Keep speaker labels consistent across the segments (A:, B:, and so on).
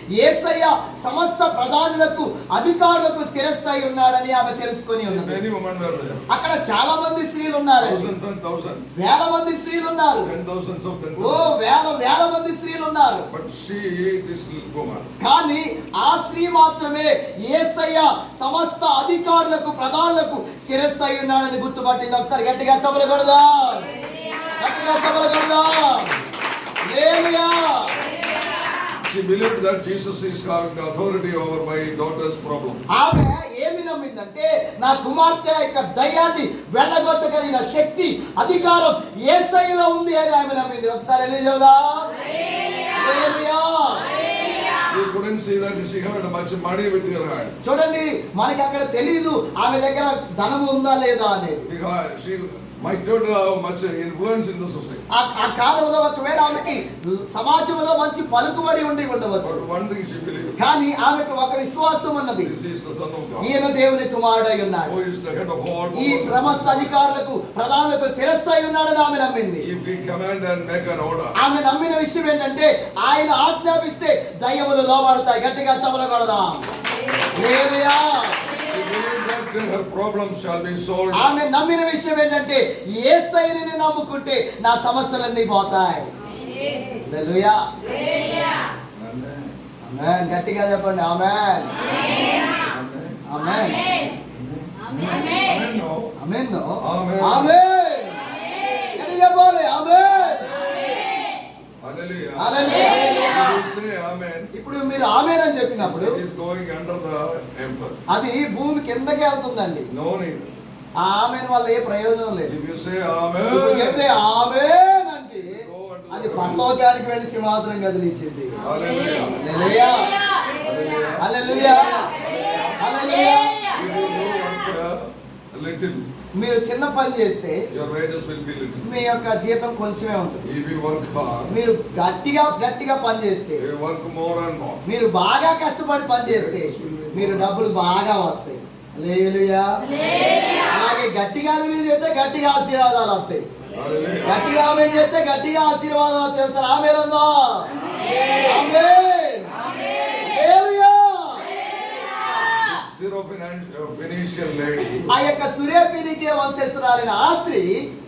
A: యేసయ్య సమస్త ప్రధానులకు అధికారులకు శిరస్సు అయి ఉన్నాడని ఆమె తెలుసుకొని ఉన్నది.
B: Many women were there.
A: అక్కడ చాలా మంది స్త్రీలు ఉన్నారు.
B: Thousands and thousands.
A: వేల మంది స్త్రీలు ఉన్నారు.
B: 10,000s of 10,000.
A: ఓ వేల మంది స్త్రీలు ఉన్నారు.
B: But she, this woman,
A: కానీ ఆ స్త్రీ మాత్రమే యేసయ్య సమస్త అధికారులకు ప్రధానులకు శిరస్సు అయి ఉన్నాడని గుర్తుపట్టింది. ఒకసారి గట్టిగా చప్పట్లు కొడదాం. గట్టిగా చప్పట్లు కొడదాం. హల్లెలూయా.
B: she believed that Jesus is having the authority over my daughter's problem.
A: ఆమె ఏమి నమ్మిందంటే నా కుమార్తె యొక్క దయ్యాన్ని వెళ్ళగొట్టగలిగిన శక్తి అధికారం యేసయ్యలో ఉంది అని ఆమె నమ్మింది. ఒకసారి చెబుదాం. హల్లెలూయా.
B: You couldn't see that she had much money with her hand.
A: చూడండి, మనకి అక్కడ తెలియదు ఆమె దగ్గర ధనం ఉందా లేదా అనేది.
B: Because she might not have much influence in the society.
A: ఆ కాలంలో ఒకవేళ ఆమెకి సమాజంలో మంచి పలుకుబడి ఉండి ఉండవచ్చు.
B: But one thing she believed.
A: కానీ ఆమెకు ఒక విశ్వాసం ఉన్నది.
B: This is the son of God.
A: ఈయన దేవుని కుమారుడై ఉన్నాడు.
B: Who is the head of all.
A: ఈ సమస్త అధికారులకు ప్రధానులకు శిరస్సు అయి ఉన్నాడని ఆమె నమ్మింది.
B: If we command and make an order.
A: ఆమె నమ్మిన విషయం ఏంటంటే ఆయన ఆజ్ఞాపిస్తే దయ్యములు లోబడతాయి. గట్టిగా చప్పట్లు కొడదాం. హల్లెలూయా.
B: She believed that her problems shall be solved.
A: ఆమె నమ్మిన విషయం ఏంటంటే యేసయ్యని నమ్ముకుంటే నా సమస్యలన్నీ పోతాయి. హల్లెలూయా.
B: Amen.
A: ఆమేన్. గట్టిగా చెప్పండి. ఆమేన్.
B: Amen.
A: ఆమేన్.
B: Amen. No.
A: ఆమేన్.
B: Amen.
A: ఆమేన్. గట్టిగా చెప్పండి. ఆమేన్.
B: Hallelujah.
A: Hallelujah.
B: You say amen.
A: ఇప్పుడు మీరు ఆమేన్ అని చెప్పినప్పుడు
B: It is going under the emperor.
A: అది భూమి కిందకి వెళ్తుందండి.
B: No need.
A: ఆ ఆమేన్ వల్ల ఏ ప్రయోజనం లేదు.
B: If you say
A: ఇప్పుడు
B: amen.
A: చెప్తే ఆమేన్ అంటే అది పరలోకానికి వెళ్ళి సింహాసనం కదిలించింది.
B: Hallelujah.
A: Hallelujah. Hallelujah. Hallelujah.
B: If you do work a little,
A: మీరు చిన్న పని చేస్తే
B: your wages will be little.
A: మీ యొక్క జీతం కొంచెమే ఉంటుంది.
B: If you work hard,
A: మీరు గట్టిగా పని చేస్తే,
B: you work more and more.
A: మీరు బాగా కష్టపడి పని చేస్తే మీరు డబ్బులు బాగా వస్తాయి. హల్లెలూయా. అలాగే గట్టిగా మీరు చేస్తే గట్టిగా ఆశీర్వాదాలు వస్తాయి.
B: Hallelujah.
A: గట్టిగా ఆమేన్ చేస్తే గట్టిగా ఆశీర్వాదాలు చేస్తారు. ఆమేన్ అందా. ఆమేన్. హల్లెలూయా.
B: Syrophoenician lady
A: ఆ యొక్క సురేఫీనికే వంశస్థురాలైన ఆ స్త్రీ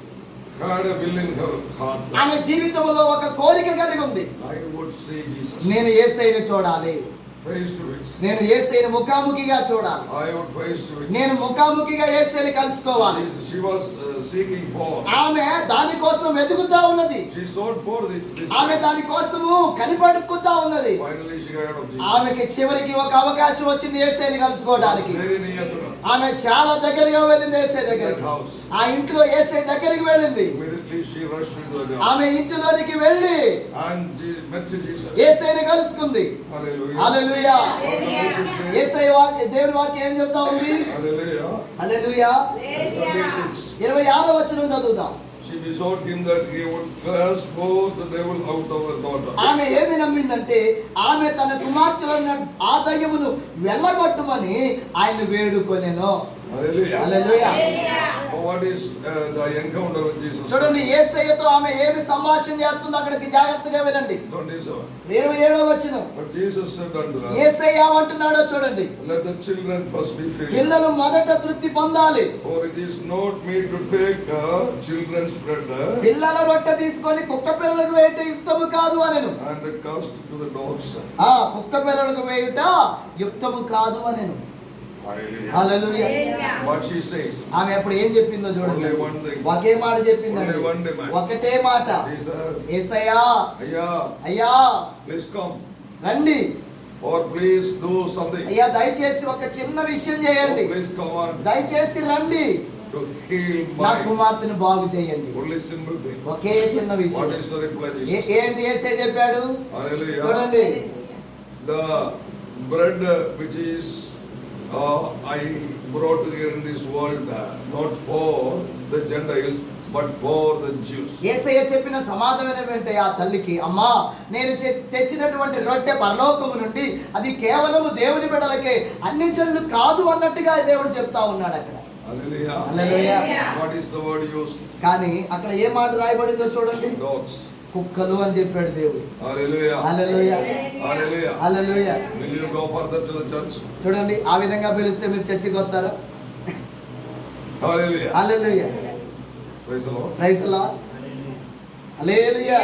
B: had a will in her heart.
A: ఆమె జీవితంలో ఒక కోరిక కలిగి ఉంది.
B: I would see Jesus
A: నేను యేసయ్యని చూడాలి.
B: face to face.
A: నేను యేసయ్యని ముఖాముఖిగా చూడాలి.
B: I would face to face.
A: నేను ముఖాముఖిగా యేసయ్యని కలుసుకోవాలి.
B: She was seeking for.
A: ఆమె దాని కోసం వెతుకుతా ఉన్నది.
B: She sought for this.
A: ఆమె దాని కోసము కనిపెట్టుకుంటా ఉన్నది.
B: Finally she got of Jesus.
A: ఆమెకి చివరికి ఒక అవకాశం వచ్చింది యేసయ్యని కలుసుకోవడానికి.
B: Very near to her.
A: ఆమె చాలా దగ్గరగా వెళ్ళింది యేసయ్య దగ్గరికి.
B: That house.
A: ఆ ఇంట్లో యేసయ్య దగ్గరికి వెళ్ళింది.
B: Immediately she rushed into the house.
A: ఆమె ఇంటిలోనికి వెళ్ళి
B: And met Jesus.
A: యేసయ్యని కలుసుకుంది.
B: Hallelujah.
A: Hallelujah.
B: What does it say?
A: యేసయ్య దేవుని వాక్యం ఏం చెప్తా ఉంది?
B: Hallelujah.
A: హల్లెలూయా.
B: 26.
A: 26వ వచనం చదువుదాం.
B: She besought him that he would cast both the devil out of her daughter.
A: ఆమె ఏమి నమ్మిందంటే ఆమె తన కుమార్తెలో ఉన్న ఆ దయ్యమును వెళ్ళగొట్టమని ఆయన వేడుకొనెను.
B: Hallelujah.
A: Hallelujah.
B: What is the encounter with Jesus?
A: చూడండి యేసయ్యతో ఆమె ఏమి సంభాషణ చేస్తుందో అక్కడికి జాగ్రత్తగా వినండి.
B: 27.
A: 27వ వచనం.
B: But Jesus said unto her,
A: యేసయ్య ఏమంటున్నాడో చూడండి.
B: let the children first be filled.
A: పిల్లలు మొదట తృప్తి పొందాలి.
B: For it is not me to take children's bread
A: పిల్లల రొట్టె తీసుకొని కుక్క పిల్లలకు వేయట యుక్తము కాదు అనెను.
B: and cast it to the dogs.
A: ఆ కుక్క పిల్లలకు వేయుట యుక్తము కాదు అనెను.
B: Hallelujah.
A: Hallelujah.
B: What she says.
A: ఆమె అప్పుడు ఏం చెప్పిందో చూడండి.
B: Only one thing.
A: ఒకే మాట చెప్పిందండి.
B: Only one demand.
A: ఒకటే మాట.
B: Jesus.
A: యేసయ్యా,
B: Ayya,
A: అయ్యా
B: please come.
A: రండి.
B: Or please do something.
A: అయ్యా దయచేసి ఒక చిన్న విషయం చేయండి.
B: Oh, please come on.
A: దయచేసి రండి.
B: To heal
A: నా
B: my
A: కుమార్తెను బాగు చేయండి.
B: only simple thing.
A: ఒకే చిన్న
B: What
A: విషయం.
B: is the reply? Jesus?
A: ఏంటి యేసయ్య చెప్పాడు?
B: Hallelujah.
A: చూడండి.
B: The bread which is I brought here in this world not for the Gentiles but for the Jews.
A: యేసయ్య చెప్పిన సమాధానం ఏంటంటే ఆ తల్లికి, అమ్మా నేను తెచ్చినటువంటి రొట్టె పరలోకము నుండి అది కేవలము దేవుని బిడ్డలకే, అన్ని జనులు కాదు అన్నట్టుగా దేవుడు చెప్తా ఉన్నాడు అక్కడ.
B: Hallelujah.
A: Hallelujah.
B: What is the word used?
A: కానీ అక్కడ ఏ మాట రాయబడిందో చూడండి.
B: Dogs.
A: కుక్కలు అని చెప్పాడు దేవుడు.
B: Hallelujah.
A: Hallelujah,
B: Hallelujah.
A: Hallelujah.
B: Will you go further to the church?
A: చూడండి, ఆ విధంగా పిలిస్తే మీరు చర్చికి వస్తారా?
B: Hallelujah.
A: Hallelujah,
B: Praise the Lord.
A: Praise the lord. Hallelujah,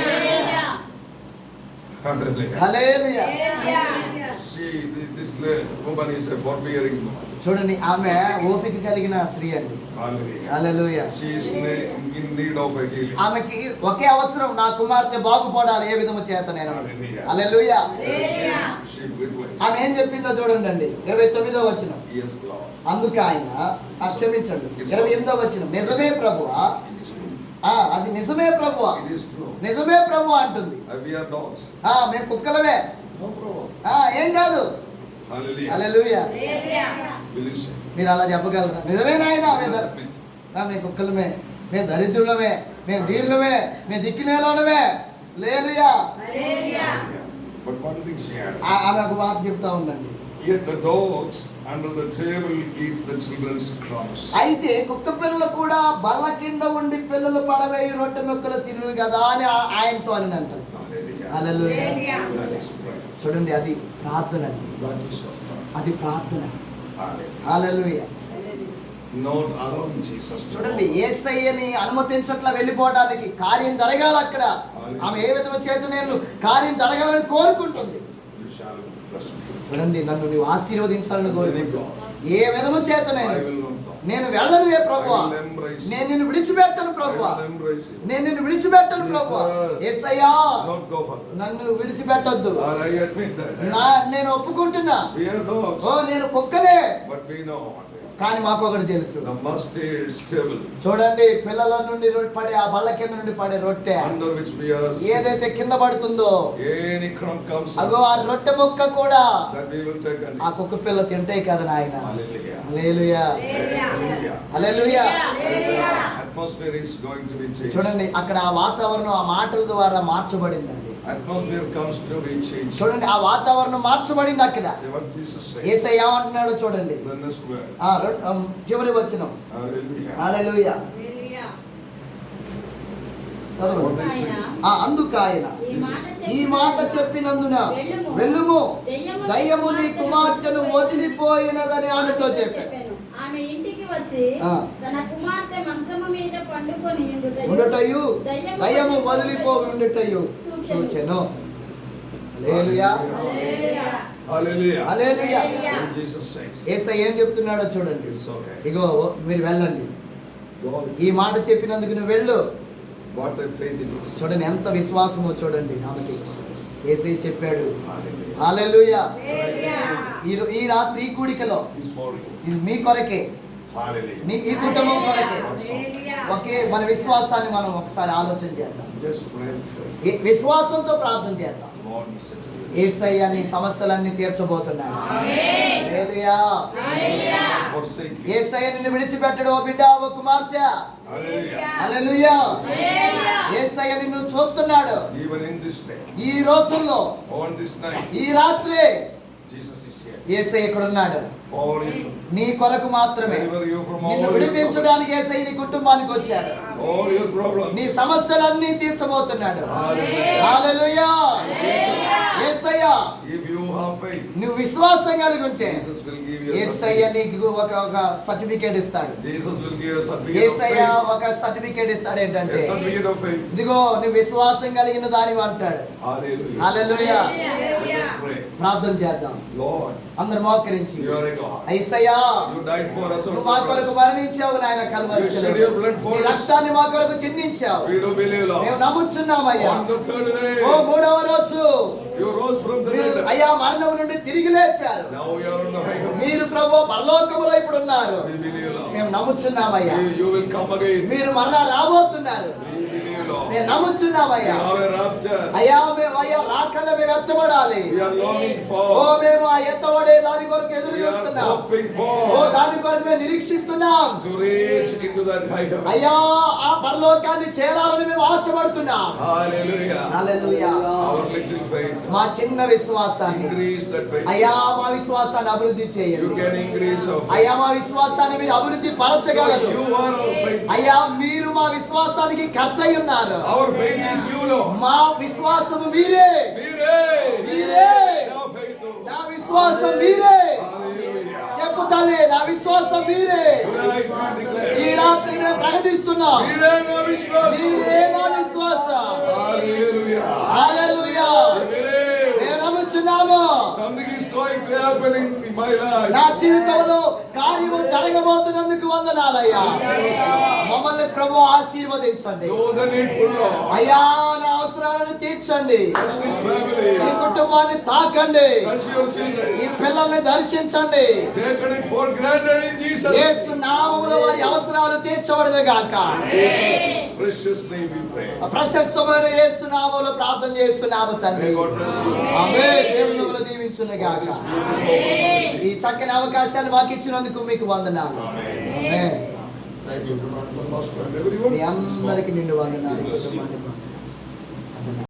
B: Hallelujah.
A: Hallelujah.
B: This woman is a forbearing woman.
A: చూడండి, ఆమె ఓపిక కలిగిన స్త్రీ అండి.
B: Hallelujah.
A: Hallelujah.
B: She is in need of a healing.
A: ఆమెకి ఒకే అవసరం, నా కుమార్తె బాగుపడాలి. ఏ విధము చేత నేను.
B: Hallelujah.
A: హల్లెలూయా.
B: She requests.
A: ఆమె ఏం చెప్పిందో చూడండి అండి, 29వ వచనం.
B: Yes, Lord.
A: అందుకు ఆయన క్షమించండి, 28వ వచనం. నిజమే ప్రభువా,
B: It is true.
A: అది నిజమే ప్రభువా,
B: It is true.
A: నిజమే ప్రభువా అంటుంది.
B: We are dogs.
A: మేము కుక్కలమే.
B: No problem.
A: ఏం కాదు.
B: Hallelujah.
A: Hallelujah.
B: Will you say?
A: మీరు అలా చెప్పగలరా? నిజమే నాయన, మేము కుక్కలమే, మేము దరిద్రులమే, మేము దీనులమే, మేము దిక్కినేలోనమే. హల్లెలూయా.
B: But one thing she added.
A: ఆమె ఒక మాట చెప్తా ఉందండి.
B: Yet the dogs under the table eat the children's crumbs.
A: అయితే కుక్క పిల్లలు కూడా బల్ల కింద ఉండి పిల్లలు పడవేయి రొట్టె ముక్కలు తిను కదా అని ఆయనతో అని అంటారు. హల్లెలూయా.
B: That is prayer.
A: చూడండి, అది ప్రార్థన అండి.
B: That is our prayer.
A: అది ప్రార్థన.
B: Hallelujah.
A: Hallelujah.
B: Not allowing Jesus to
A: చూడండి,
B: go.
A: యేసయ్యని అనుమతించట్లా వెళ్ళిపోవడానికి. కార్యం జరగాలి అక్కడ. ఆమె ఏ విధంగా చేత నేను కార్యం జరగాలని కోరుకుంటుంది.
B: You shall bless me.
A: చూడండి, నన్ను నీవు ఆశీర్వదించాలని కోరుకుంటున్నాను. ఏ విధము చేత
B: I will not go.
A: నేను వెళ్ళను ఏ ప్రభువా,
B: I will embrace you.
A: నేను నిన్ను విడిచిపెట్టను
B: I
A: ప్రభువా,
B: will embrace you.
A: నేను నిన్ను విడిచిపెట్టను ప్రభువా. యేసయ్యా,
B: Not go further.
A: నన్ను విడిచిపెట్టొద్దు.
B: Or I admit that.
A: నేను ఒప్పుకుంటున్నా.
B: We are dogs.
A: నేను కుక్కలే,
B: But we know.
A: కానీ మాకు ఒకటి తెలుసు.
B: The mustard stable
A: చూడండి, పిల్లల నుండి పడే ఆ బల్ల కింద నుండి పడే రొట్టె
B: under which we are sitting.
A: ఏదైతే కింద పడుతుందో,
B: Any crumb comes
A: అగో ఆ రొట్టె ముక్క కూడా
B: that we will take and
A: ఆ కుక్క పిల్ల తింటాయి కదా నాయన.
B: Hallelujah.
A: Hallelujah,
B: Hallelujah.
A: Hallelujah.
B: The atmosphere is going to be changed.
A: చూడండి, అక్కడ ఆ వాతావరణం ఆ మాటల ద్వారా మార్చబడిందండి.
B: Atmosphere comes to be changed.
A: చూడండి, ఆ వాతావరణం మార్చబడింది అక్కడ.
B: What Jesus said.
A: యేసయ్య ఏమంటున్నాడో చూడండి.
B: The next word.
A: చివరి వచనం.
B: Hallelujah.
A: హల్లెలూయా. చదవండి.
B: What they say.
A: అందుకు ఆయన ఈ మాట చెప్పినందున వెళ్ళుము, దయ్యము నీ కుమార్తెను వదిలిపోయినదని ఆమెతో చెప్పాడు.
C: ఆమె ఇంటికి వచ్చి తన కుమార్తె మంచము మీద పండుకొని
A: ఉండటయు దయ్యము వదిలిపోయి ఉండటయు చూచెను. హల్లెలూయా,
B: Hallelujah.
A: Hallelujah.
B: What Jesus says.
A: యేసయ్య ఏం చెప్తున్నాడో చూడండి.
B: It's okay.
A: ఇగో మీరు వెళ్ళండి,
B: Go.
A: ఈ మాట చెప్పినందుకు నువ్వు వెళ్ళు.
B: What a faith it is.
A: చూడండి, ఎంత విశ్వాసమో చూడండి ఆమెకి. యేసయ్య చెప్పాడు.
B: Hallelujah.
A: హల్లెలూయా. ఈ రాత్రి ఈ కూడికలో
B: This morning.
A: ఇది మీ కొరకే,
B: Hallelujah.
A: ఈ కుటుంబం కొరకే. ఒకే మన విశ్వాసాన్ని మనం ఒకసారి ఆలోచన చేద్దాం.
B: Just pray and faith.
A: విశ్వాసంతో ప్రార్థన చేద్దాం.
B: Lord, we say to you.
A: యేసయ్య నీ సమస్యలన్నీ తీర్చబోతున్నాడు. హల్లెలూయా.
B: Forsake you.
A: యేసయ్య నిన్ను విడిచిపెట్టడు ఓ బిడ్డ, ఓ కుమార్తె.
B: Hallelujah.
A: హల్లెలూయా. యేసయ్య నిన్ను చూస్తున్నాడు.
B: Even in this day,
A: ఈ రోజుల్లో,
B: on this night,
A: ఈ రాత్రి
B: Jesus is here.
A: యేసయ్య ఇక్కడ ఉన్నాడు.
B: For you.
A: నీ కొరకు మాత్రమే.
B: Deliver you from all
A: నిన్ను
B: your
A: విడిపించడానికి యేసయ్య నీ కుటుంబానికి వచ్చాడు.
B: all your problems.
A: నీ సమస్యలన్నీ తీర్చబోతున్నాడు.
B: Hallelujah.
A: Hallelujah. Yesayya,
B: If you have faith,
A: నువ్వు విశ్వాసం కలిగి ఉంటే
B: Jesus will give you a
A: Yesayya
B: certificate.
A: నీకు ఒక సర్టిఫికేట్ ఇస్తాడు.
B: Jesus will give you a certificate of
A: Yesayya
B: faith.
A: ఒక సర్టిఫికేట్ ఇస్తాడు. ఏంటంటే,
B: A certificate of faith.
A: ఇదిగో నువ్వు విశ్వాసం కలిగిన దానివి అంటాడు.
B: Hallelujah.
A: హల్లెలూయా.
B: Let us pray.
A: ప్రార్థన చేద్దాం.
B: Lord,
A: అందరు మోకరించి,
B: you are a God.
A: Yesayya,
B: You died for us on
A: నువ్వు
B: the
A: మా కొరకు
B: cross.
A: మరణించావు నాయన కల్వరి
B: You shed
A: శిలువలో.
B: your blood for
A: నీ
B: us.
A: రక్తాన్ని మా కొరకు చిందించావు.
B: We do believe,
A: మేము
B: Lord.
A: నమ్ముచున్నామయ్యా.
B: On the third
A: oh
B: day,
A: మూడవ రోజు
B: you rose from the
A: మీరు
B: dead.
A: అయ్యా మరణం నుండి తిరిగి లేచారు.
B: Now we are on the high heaven.
A: మీరు ప్రభు పరలోకములో ఇప్పుడు ఉన్నారు.
B: We believe, Lord.
A: మేము నమ్ముచున్నామయ్యా.
B: You will come again.
A: మీరు మరలా రాబోతున్నారు.
B: We believe, Lord.
A: మేము
B: We
A: నమ్ముచున్నామయ్యా.
B: have a rapture.
A: అయ్యా మేము అయ్యా రాకడ మేము ఎత్తబడాలి.
B: We are longing
A: oh
B: for.
A: మేము ఆ ఎత్తబడే దాని కొరకు ఎదురు
B: We are
A: చూస్తున్నాం.
B: hoping
A: ఓ
B: for
A: దాని కొరకు మేము నిరీక్షిస్తున్నాం.
B: to reach into that high heaven.
A: అయ్యా ఆ పరలోకాన్ని చేరాలని మేము ఆశపడుతున్నాం.
B: Hallelujah.
A: Hallelujah.
B: Our little faith.
A: మా చిన్న విశ్వాసాన్ని
B: Increase that faith.
A: అయ్యా మా విశ్వాసాన్ని అభివృద్ధి
B: You
A: చేయండి.
B: can increase of faith.
A: అయ్యా మా విశ్వాసాన్ని మీరు అభివృద్ధి
B: So
A: పరచగలరు.
B: you are our faith.
A: అయ్యా మీరు మా విశ్వాసానికి కర్త అయి ఉన్నారు.
B: Our faith is you, Lord.
A: మా విశ్వాసము మీరే.
B: మీరే.
A: మీరే.
B: నా faith.
A: నా విశ్వాసం మీరే.
B: Hallelujah.
A: చెప్పు తల్లి, నా విశ్వాసం మీరే.
B: Tonight we declare.
A: ఈ రాత్రి మేము ప్రకటిస్తున్నాం,
B: మీరే నా విశ్వాసం.
A: మీరే నా విశ్వాసం.
B: Hallelujah.
A: హల్లెలూయా.
B: I believe
A: మేము నమ్ముచున్నాము,
B: something is going to happen in my life.
A: నా జీవితంలో కార్యము జరగబోతున్నందుకు వందనాలయ్యా. మమ్మల్ని ప్రభు ఆశీర్వదించండి.
B: Know the needful, Lord.
A: అయ్యా, నా అవసరాలను తీర్చండి.
B: Bless this family.
A: ఈ కుటుంబాన్ని తాకండి.
B: Bless your children.
A: ఈ పిల్లల్ని దర్శించండి.
B: Taken it for granted in Jesus.
A: యేసు నామములో వారి అవసరాలు తీర్చబడమే గాక.
B: Jesus' precious name we pray.
A: ప్రశస్తమైన యేసు నామములో ప్రార్థన చేస్తున్నాము తండ్రి.
B: May God bless you.
A: ఆమేన్. దేవుడు మిమ్మల్ని దీవించును గాక.
B: This beautiful opportunity.
A: ఈ చక్కని అవకాశాన్ని మాకు ఇచ్చినందుకు మీకు వందనాలు. ఆమేన్.
B: Thank you, Pastor and everyone.
A: మీ అందరికి నిండు వందనాలు.